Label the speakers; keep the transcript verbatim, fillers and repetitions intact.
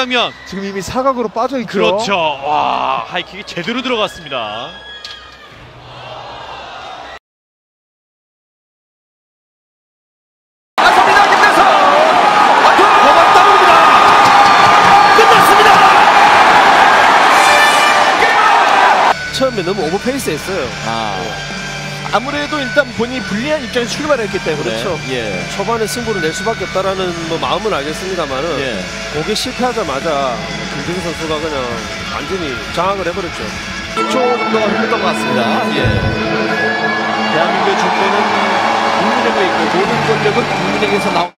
Speaker 1: 장면.
Speaker 2: 지금 이미 사각으로 빠져 있죠.
Speaker 1: 그렇죠. 와, 하이킥이 제대로 들어갔습니다.
Speaker 3: 나섭니다. 김대성.
Speaker 1: 거만 따릅니다. 끝났습니다.
Speaker 3: 처음에 너무 오버페이스 했어요.
Speaker 4: 아,
Speaker 3: 아무래도 일단 본인이 불리한 입장에서 출발했기 때문에
Speaker 4: 그렇죠. 예.
Speaker 3: 초반에 승부를 낼 수밖에 없다라는 뭐 마음은 알겠습니다만은
Speaker 4: 예.
Speaker 3: 거기에 실패하자마자 김대성 선수가 그냥 완전히 장악을 해버렸죠.
Speaker 4: 일 초 정도가 흘렀던 것 같습니다. 예. 대한민국의 존재는 국민에게 있고 모든 권력은 국민에게서 나온